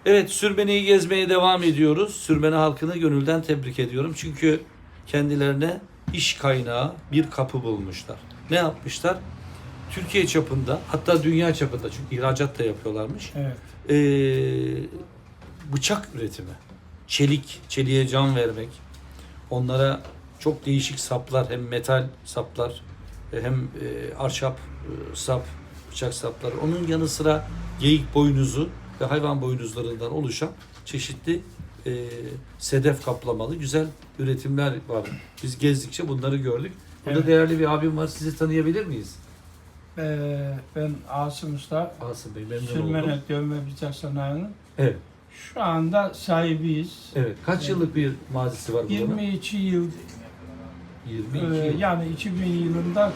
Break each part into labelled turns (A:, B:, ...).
A: Evet, Sürmeni'yi gezmeye devam ediyoruz. Sürmeni halkını gönülden tebrik ediyorum. Çünkü kendilerine iş kaynağı bir kapı bulmuşlar. Ne yapmışlar? Türkiye çapında, hatta dünya çapında, çünkü ihracat da yapıyorlarmış.
B: Evet.
A: Bıçak üretimi. Çeliğe can vermek. Onlara çok değişik saplar, hem metal saplar, hem ahşap sap, bıçak sapları. Onun yanı sıra geyik boynuzu ve hayvan boynuzlarından oluşan çeşitli sedef kaplamalı güzel üretimler var. Biz gezdikçe bunları gördük. Burada
B: Evet.
A: değerli bir abim var. Sizi tanıyabilir miyiz?
B: Ben Asım Usta,
A: Asım Bey, memnun
B: Sürmene
A: oldum.
B: Dövme Bıçak Sanayi'nin
A: Evet.
B: şu anda sahibiyiz.
A: Evet. Kaç yıllık bir mazisi var bunun?
B: 22 yıl,
A: 22 yıl.
B: yani 2000 yılında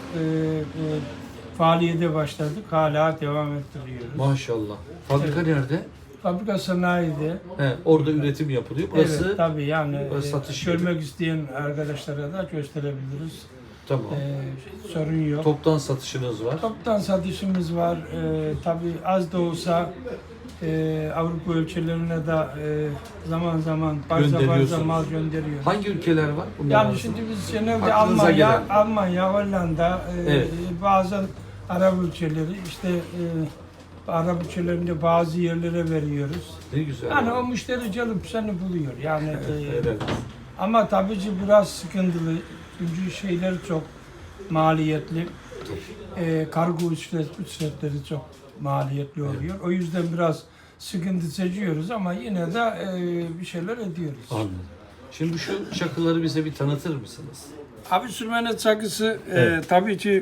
B: faaliyete başladık. Hala devam ettiriyoruz.
A: Maşallah. Fabrika nerede?
B: Fabrika sanayide.
A: Orada üretim yapılıyor. Burası
B: Evet, tabii yani
A: burası satış
B: görmek isteyen arkadaşlara da gösterebiliriz.
A: tamam.
B: Sorun yok.
A: Toptan satışınız var.
B: Toptan satışımız var. Tabii az da olsa Avrupa ülkelerine de zaman zaman
A: Gönderiyorsunuz.
B: mal gönderiyoruz.
A: Hangi ülkeler var? Bunlar
B: Yani
A: arasında?
B: şimdi biz genelde
A: Aklınıza gelen.
B: Almanya, Hollanda,
A: Evet.
B: bazen Arap ülkeleri, işte Arap ülkelerinde bazı yerlere veriyoruz.
A: Ne güzel.
B: Yani o müşteri gelip seni buluyor. Yani
A: Evet.
B: ama tabii ki biraz sıkıntılı. Çünkü şeyler çok maliyetli. Kargo ücretleri çok maliyetli oluyor. O yüzden biraz sıkıntı çekiyoruz ama yine de bir şeyler ediyoruz.
A: Anladım. Şimdi şu çakıları bize bir tanıtır mısınız?
B: Abi sürmene çakısı
A: Evet.
B: tabii ki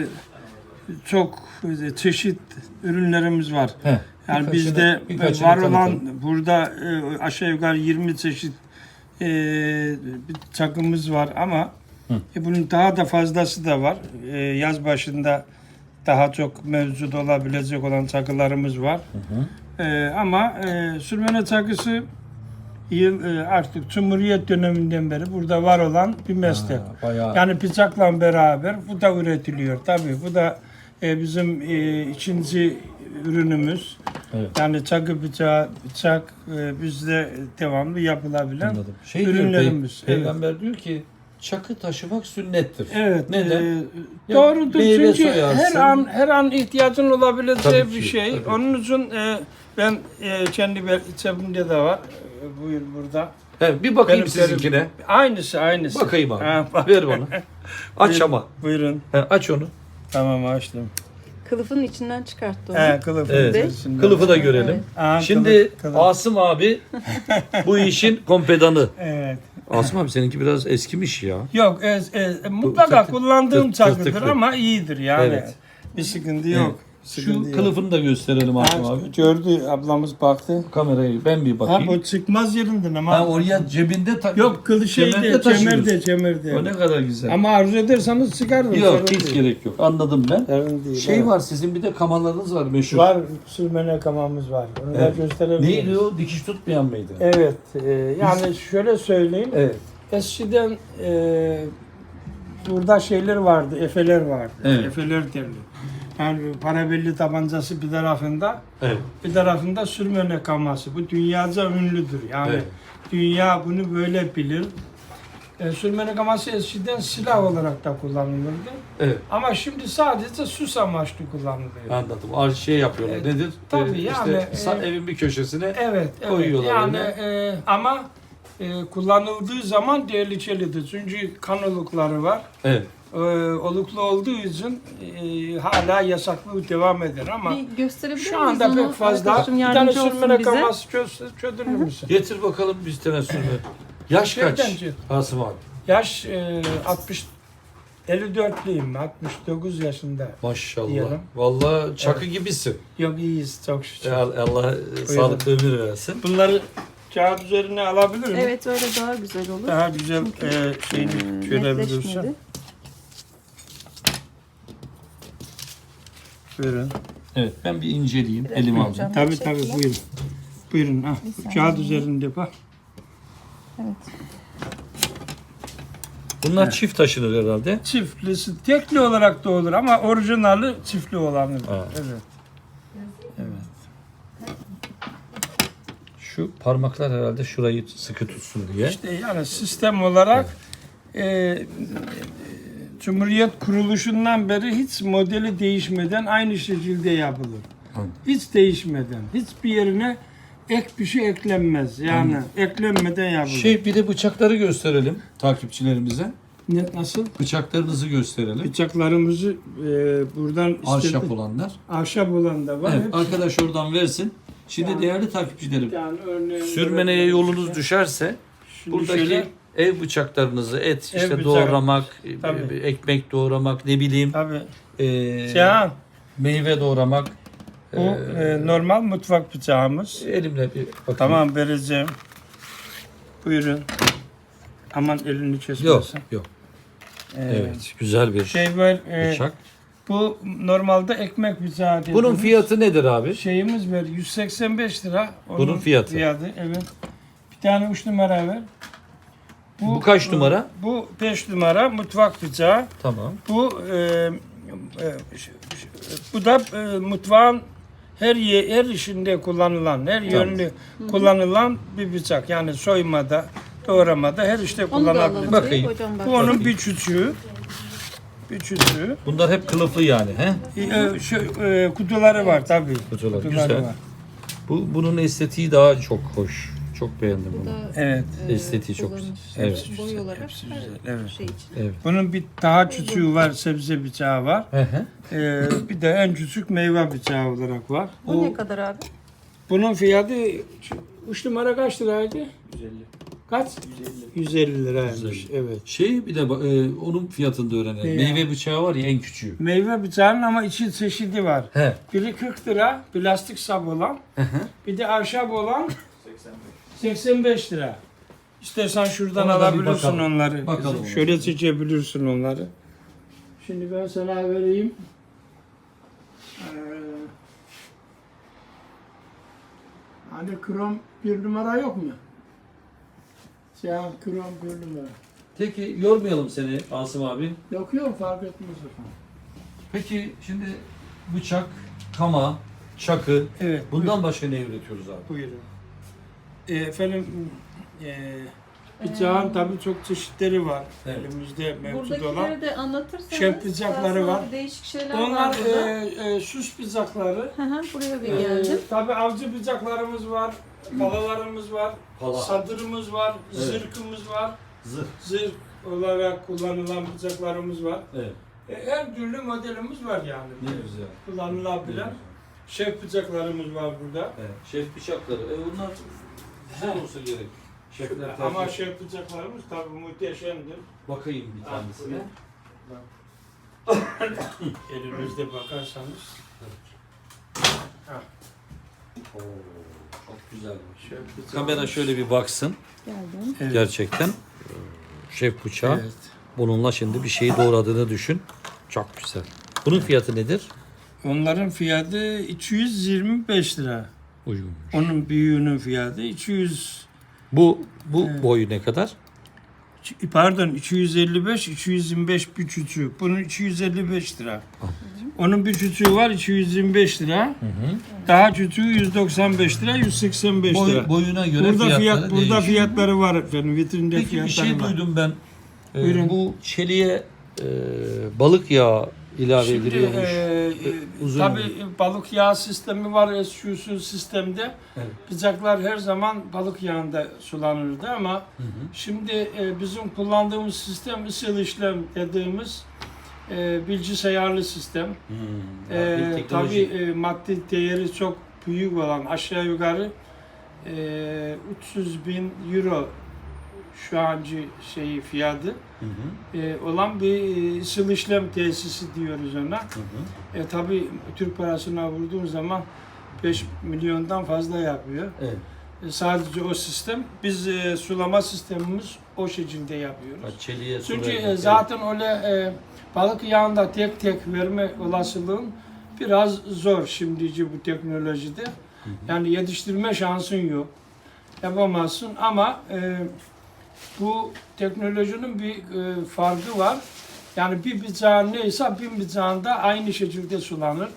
B: çok çeşit ürünlerimiz var. Yani bizde
A: birkaçını
B: var olan
A: tanıtalım.
B: burada aşağı yukarı 20 çeşit bir çakımız var ama bunun daha da fazlası da var. Yaz başında daha çok mevcut olabilecek olan çakılarımız var. Ama sürmene çakısı artık Cumhuriyet döneminden beri burada var olan bir meslek.
A: Bayağı.
B: Yani bıçakla beraber bu da üretiliyor. Tabii bu da bizim ikinci ürünümüz.
A: Evet.
B: Yani çakı bıçak bizde devamlı yapılabilen
A: Anladım. Şey
B: ürünlerimiz.
A: diyor, Peygamber diyor ki çakı taşımak sünnettir.
B: Evet.
A: Neden? Ya
B: Doğrudur
A: meyve
B: çünkü
A: soyarsın.
B: her an ihtiyacın olabileceği
A: Tabii
B: bir
A: ki,
B: şey.
A: tabii.
B: Onun için ben kendi cebimde de var. Buyur burada.
A: Evet, bir bakayım
B: Benim
A: sizinkine.
B: Aynısı.
A: Bakayım abi.
B: Ha,
A: Ver bana. Aç
B: Buyurun.
A: ama.
B: Buyurun.
A: Aç onu.
B: Tamam açtım.
C: Kılıfın içinden çıkarttı onu.
B: Kılıfı.
A: Evet.
B: içerisinde.
A: Kılıfı da görelim.
B: Aa,
A: Şimdi
B: kılıf.
A: Asım abi bu işin kompedanı.
B: Evet.
A: Asım abi seninki biraz eskimiş ya.
B: Yok mutlaka
A: tırtık-
B: kullandığım çakıdır
A: tırtıklı.
B: ama iyidir yani.
A: Evet.
B: Bir sıkıntı yok.
A: Şu kılıfını da gösterelim Asım abi.
B: Gördü ablamız baktı.
A: Kamerayı ben bir
B: Ha
A: bakayım.
B: bu çıkmaz yerinden ama.
A: Ha, oraya cebinde
B: Yok kılı şeyde kemerde.
A: O ne kadar güzel.
B: Ama arzu ederseniz çıkarırım.
A: Yok
B: sorun
A: hiç
B: değil.
A: gerek yok. Anladım ben.
B: Sorun değil,
A: Şey
B: evet.
A: var, sizin bir de kamalarınız var meşhur.
B: Var sürmene kamamız var. Onu
A: Evet.
B: da gösterebilirim.
A: Neydi o? Dikiş tutmayan mıydı?
B: Evet. Yani şöyle söyleyeyim.
A: Evet.
B: Eskiden burada şeyler vardı, efeler vardı.
A: Evet.
B: Efeler derler. Yani parabelli tabancası bir tarafında,
A: Evet.
B: bir tarafında sürmene kaması. Bu dünyaca ünlüdür. Yani
A: Evet.
B: dünya bunu böyle bilir. Sürmene kaması eskiden silah olarak da kullanılırdı.
A: Evet.
B: Ama şimdi sadece süs amaçlı kullanılıyor.
A: Anladım. Şey yapıyorlar.
B: Evet.
A: Nedir?
B: Tabii yani,
A: evin bir köşesine
B: Evet, evet.
A: koyuyorlar
B: Yani
A: öyle.
B: ama kullanıldığı zaman tehlikelidir. Çünkü kan olukları var.
A: Evet.
B: Oluklu olduğu için hala yasaklı devam eder ama
C: Bir gösterebilir
B: şu
C: miyiz
B: anda
C: onu?
B: pek fazla.
C: Arkadaşım
B: Bir tane
C: yardımcı olsun
B: sürmene
C: bize.
B: kaması çözülür müsün?
A: Getir bakalım biz tenesürünü. Yaş kaç?
B: Şeyden-
A: Asım abi.
B: Yaş 54'lüyüm, 69 yaşında.
A: Maşallah.
B: Diyelim.
A: Vallahi çakı gibisin.
B: Yok iyiyiz çok şükür.
A: Allah sağlıklı ömür versin.
B: Bunları kağıt üzerine alabilir miyim?
C: Evet öyle daha güzel olur.
B: Daha güzel şeyini görebilirsin.
C: Netleşmedi.
B: Buyurun.
A: Evet, ben bir inceleyeyim.
C: Biraz
A: Elime
C: yapacağım.
A: alacağım.
B: Tabii tabii
C: Teşekkürler.
B: buyurun. Buyurun ha.
C: Bir saniye.
B: Kağıt üzerinde bak.
C: Evet.
A: Bunlar
B: Evet.
A: çift taşınır herhalde.
B: Çiftlisi tekli olarak da olur ama orijinali çiftli olanı.
A: Ha.
B: Evet. Evet.
A: Şu parmaklar herhalde şurayı sıkı tutsun diye.
B: İşte yani sistem olarak Cumhuriyet kuruluşundan beri hiç modeli değişmeden aynı şekilde yapılır. Hiç değişmeden, hiçbir yerine ek bir şey eklenmez. Yani eklenmeden yapılır.
A: Bir de bıçakları gösterelim takipçilerimize.
B: Nasıl?
A: Bıçaklarınızı gösterelim.
B: Bıçaklarımızı buradan
A: Ahşap olanlar.
B: ahşap olan da var.
A: Evet,
B: Hepsi-
A: arkadaş oradan versin. Şimdi
B: Yani-
A: değerli takipçilerim,
B: Yani örneğin
A: sürmeneye yolunuz düşerse
B: Şimdi
A: buradaki
B: şöyle-
A: ev bıçaklarınızı, et işte
B: bıçağı.
A: doğramak,
B: Tabii.
A: ekmek doğramak, ne bileyim,
B: Tabii.
A: e,
B: Cihan,
A: meyve doğramak.
B: bu normal mutfak bıçağımız.
A: Elimle bir bakayım.
B: Tamam, vereceğim. Buyurun. Aman elini kesmesin.
A: Yok, yok.
B: Ee,
A: Evet, güzel bir
B: Şey var.
A: bıçak.
B: Bu normalde ekmek bıçağı dediğimiz
A: Bunun fiyatı nedir abi?
B: şeyimiz var. 185 lira. Onun
A: Bunun fiyatı.
B: Evet. Bir tane 3 numara ver.
A: Bu kaç numara?
B: Bu 5 numara mutfak bıçağı.
A: Tamam.
B: Bu bu da mutfağın her işinde kullanılan, her yönlü kullanılan bir bıçak. Yani soymada, doğramada her işte
C: Onu da
B: kullanılabilir.
C: alalım.
A: Bakayım.
C: Hocam bak.
B: Bu onun bir küçüğü. Bir küçüğü.
A: Bunlar hep kılıflı yani, he?
B: Kutuları var tabii.
A: Kutular, güzel.
B: var.
A: Bunun estetiği daha çok hoş. Çok beğendim
C: Bu
A: bunu.
C: da
B: Evet.
A: Estetiği çok güzel.
C: kullanış,
A: Evet.
C: boy olarak
B: Hepsi
C: her
B: güzel, evet.
C: şey için.
A: Evet.
B: Bunun bir daha küçüğü var, sebze bıçağı var.
A: Hı hı.
B: Bir de en küçük meyve bıçağı olarak var.
C: Bu ne kadar abi?
B: Bunun fiyatı 3 numara kaç liraydı? 150. Kaç? 150 liraymış.
A: 150.
B: Evet.
A: Bir de onun fiyatını da öğrenelim.
B: Ne ya?
A: Meyve bıçağı var ya, en küçüğü.
B: Meyve bıçağının ama içi çeşidi var.
A: He.
B: Biri 40 lira, plastik sap olan. Bir de ahşap olan 85 lira. İstersen şuradan
A: Ona da bir
B: alabilirsin
A: bakalım.
B: onları.
A: Bakalım.
B: Şöyle seçebilirsin onları. Şimdi ben sana vereyim. Hani krom bir numara yok mu? Siyah krom bir numara.
A: Peki yormayalım seni Asım abi.
B: Yok yok, fark etmez efendim.
A: Peki şimdi bıçak, kama, çakı,
B: Evet.
A: bundan başka ne üretiyoruz abi?
B: Buyurun. Efendim, bıçağın tabii çok çeşitleri var.
A: Evet.
B: Elimizde mevcut olan.
C: Buradakileri de anlatırsanız.
B: Şef bıçakları
C: daha
B: var.
C: sonra Değişik şeyler
B: Onlar
C: var burada.
B: süs bıçakları.
C: Hı hı, buraya bir geldim.
B: Tabii avcı bıçaklarımız var, palalarımız var,
A: Pala.
B: sadırımız var,
A: Evet.
B: zırhımız var.
A: Zırh.
B: Zırh olarak kullanılan bıçaklarımız var.
A: Evet.
B: Her türlü modelimiz var yani.
A: Ne güzel.
B: Kullanılabilen şef bıçaklarımız var burada.
A: Evet. Şef bıçakları. Bunlar güzel olsa gerek. Şefler
B: Ama
A: tercih.
B: şef bıçaklarımız tabii muhteşemdir.
A: Bakayım bir tanesine.
B: Elimizde bakarsanız.
A: Oo, çok güzel.
B: Şef bıçağı.
A: Kamera şöyle bir baksın.
C: Geldim.
B: Evet.
A: Gerçekten şef bıçağı.
B: Evet.
A: Bununla şimdi bir şeyi doğradığını düşün. Çok güzel. Bunun fiyatı nedir?
B: Onların fiyatı 225 lira.
A: Uygun.
B: Onun büyüğünün fiyatı 200,
A: Bu boyu ne kadar?
B: pardon 255, 225 bir küçüğü. Bunun 255 lira. Onun bir küçüğü var 225 lira. Daha küçüğü 195 lira, 185 lira.
A: Boyuna göre
B: Burada
A: fiyatları
B: burada
A: değişiyor.
B: fiyatları var efendim. Vitrinde
A: Peki bir
B: fiyatları
A: şey
B: var.
A: duydum ben.
B: Buyurun.
A: Bu çeliğe balık yağı ilave
B: Şimdi
A: ediliyormuş. Uzun
B: tabii
A: oluyor.
B: balık yağı sistemi var SQ'su sistemde.
A: Evet.
B: Bıçaklar her zaman balık yağında sulanırdı ama şimdi bizim kullandığımız sistem ısıl işlem dediğimiz bilgisayarlı sistem.
A: Bir teknoloji.
B: Tabii maddi değeri çok büyük olan aşağı yukarı 300 bin euro şu anki fiyatı olan bir ısıl işlem tesisi diyoruz ona. Tabii Türk parasına vurduğun zaman 5 milyondan fazla yapıyor.
A: Evet.
B: Sadece o sistem. Biz sulama sistemimiz o şekilde yapıyoruz.
A: Çeliğe su
B: Çünkü
A: vermek,
B: zaten öyle balık yağında tek tek verme olasılığın biraz zor şimdici bu teknolojide. Yani yetiştirme şansın yok. Yapamazsın ama bu teknolojinin bir farkı var. Yani bir bıçağın neyse bin bıçağında aynı şekilde sulanır.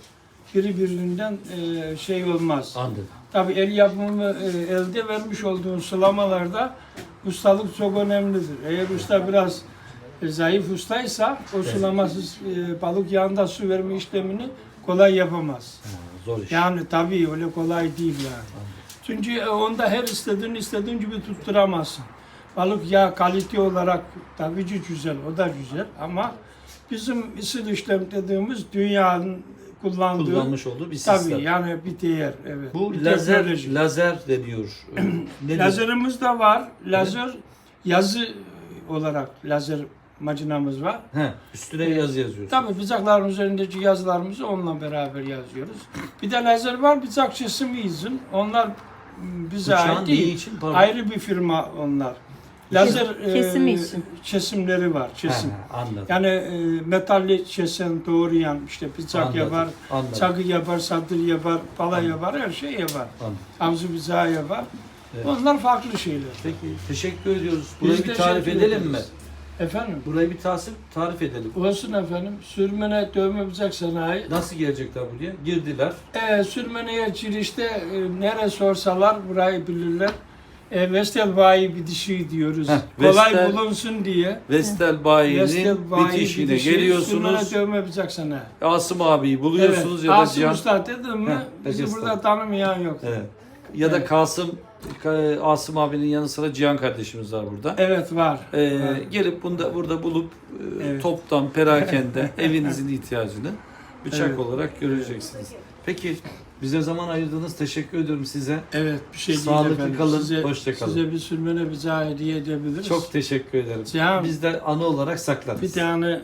B: birbirinden şey olmaz.
A: Anladım.
B: Tabii el yapımı elde vermiş olduğun sulamalarda ustalık çok önemlidir. Eğer usta biraz zayıf ustaysa o sulamasız balık yağında su verme işlemini kolay yapamaz.
A: Ha, zor iş.
B: Yani tabii öyle kolay değil yani. Çünkü onda her istediğin gibi tutturamazsın. Balık yağı kalite olarak tabii ki güzel, o da güzel ama bizim ısı işlem dediğimiz dünyanın kullandığı
A: Kullanmış olduğu bir sistem.
B: tabii yani bir değer, evet.
A: Bu
B: bir
A: lazer
B: teknoloji.
A: deniyor. Nedir?
B: Lazerimiz de var. Lazer yazı olarak lazer makinamız var.
A: He, üstüne yazı yazıyorsun.
B: Tabii bıçakların üzerindeki yazılarımızı onunla beraber yazıyoruz. Bir de lazer var, bıçak kesimi izin. Onlar bize
A: Bıçağın
B: ait
A: neyi
B: değil.
A: için? Pardon.
B: Ayrı bir firma onlar. Lazer
C: Kesimi için.
B: kesimleri var, kesim.
A: Ha, anladım.
B: Yani metalli kesen, doğrayan, işte bıçak
A: Anladım,
B: yapar,
A: anladım.
B: çakı yapar, satır yapar, pala
A: Anladım.
B: yapar, her şey yapar.
A: Anladım.
B: Avcı bıçağı yapar.
A: Evet.
B: Onlar farklı şeyler.
A: Peki, teşekkür ediyoruz. Burayı
B: Biz
A: bir
B: de
A: tarif
B: teşekkür
A: edelim mi?
B: ederiz. Efendim?
A: Burayı bir tarif edelim.
B: Olsun efendim. Sürmene dövme bıçak sanayi.
A: Nasıl gelecekler buraya? Girdiler.
B: Sürmeneye girişte nere sorsalar burayı bilirler. Vestel bayi bitişi diyoruz.
A: Heh,
B: Kolay
A: Vestel-
B: bulunsun diye.
A: Vestel Bayi'nin
B: Vestel bayi
A: bitişine
B: bitişi,
A: geliyorsunuz.
B: Sürmene dövme bıçak sanayi.
A: Asım abiyi buluyorsunuz ya da
B: Asım
A: Cihan.
B: Usta dedim mi
A: Heh,
B: bizi
A: Usta.
B: burada tanımayan yok.
A: Evet. Ya da
B: Evet.
A: Asım abinin yanı sıra Cihan kardeşimiz var burada.
B: Evet var. Var.
A: Gelip burada bulup
B: Evet.
A: toptan, perakende evinizin ihtiyacını bıçak
B: Evet.
A: olarak göreceksiniz. Peki bize zaman ayırdınız. Teşekkür ediyorum size.
B: Evet bir şey değil
A: Sağlıklı
B: efendim.
A: kalın, hoşça kalın.
B: Size bir sürmene bıçağı hediye edebiliriz.
A: Çok teşekkür ederim.
B: Cihan,
A: Biz de anı olarak saklarız.
B: bir tane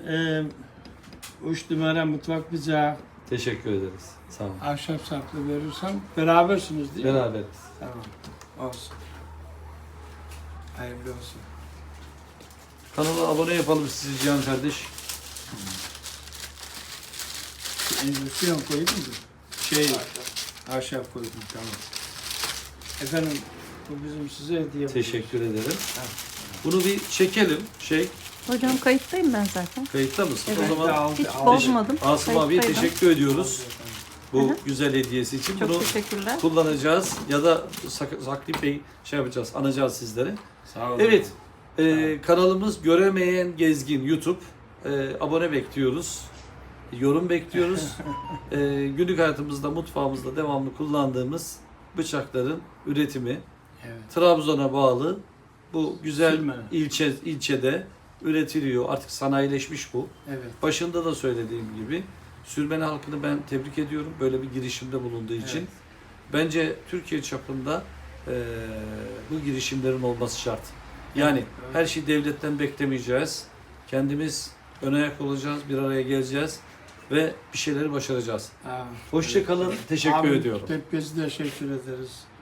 B: 3 numara mutfak bıçağı
A: Teşekkür ederiz. Sağ olun.
B: ahşap saplı verirsem berabersiniz değil mi?
A: Beraberiz.
B: Tamam. Olsun. Hayırlı olsun.
A: Kanala abone yapalım sizi Cihan kardeş.
B: Endüstriyon koydun mu? Ahşap koydum, tamam. Efendim, bu bizim size hediye.
A: Teşekkür ederim. Bunu bir çekelim.
C: Hocam kayıttayım ben zaten.
A: Kayıtta mısın?
B: Evet,
A: O zaman
B: aldı,
C: Hiç
B: aldı.
C: bozmadım.
A: Asım abiye
C: Kayıttaydım.
A: teşekkür ediyoruz. Bu güzel hediyesi için.
C: Çok
A: Bunu
C: teşekkürler.
A: kullanacağız ya da Saklı Bey yapacağız, anacağız sizlere.
B: Sağ olun.
A: Evet, kanalımız Göremeyen Gezgin YouTube. Abone bekliyoruz. Yorum bekliyoruz. Günlük hayatımızda, mutfağımızda devamlı kullandığımız bıçakların üretimi
B: Evet.
A: Trabzon'a bağlı bu güzel
B: Sürmene.
A: ilçede üretiliyor. Artık sanayileşmiş bu.
B: Evet.
A: Başında da söylediğim gibi Sürmene halkını ben tebrik ediyorum böyle bir girişimde bulunduğu için.
B: Evet.
A: Bence Türkiye çapında bu girişimlerin olması şart. Yani
B: Evet.
A: her şeyi devletten beklemeyeceğiz. Kendimiz ön ayak olacağız, bir araya geleceğiz ve bir şeyleri başaracağız.
B: Ha,
A: Hoşça kalın, teşekkür
B: Abi,
A: ediyorum.
B: Hepinize teşekkür ederiz.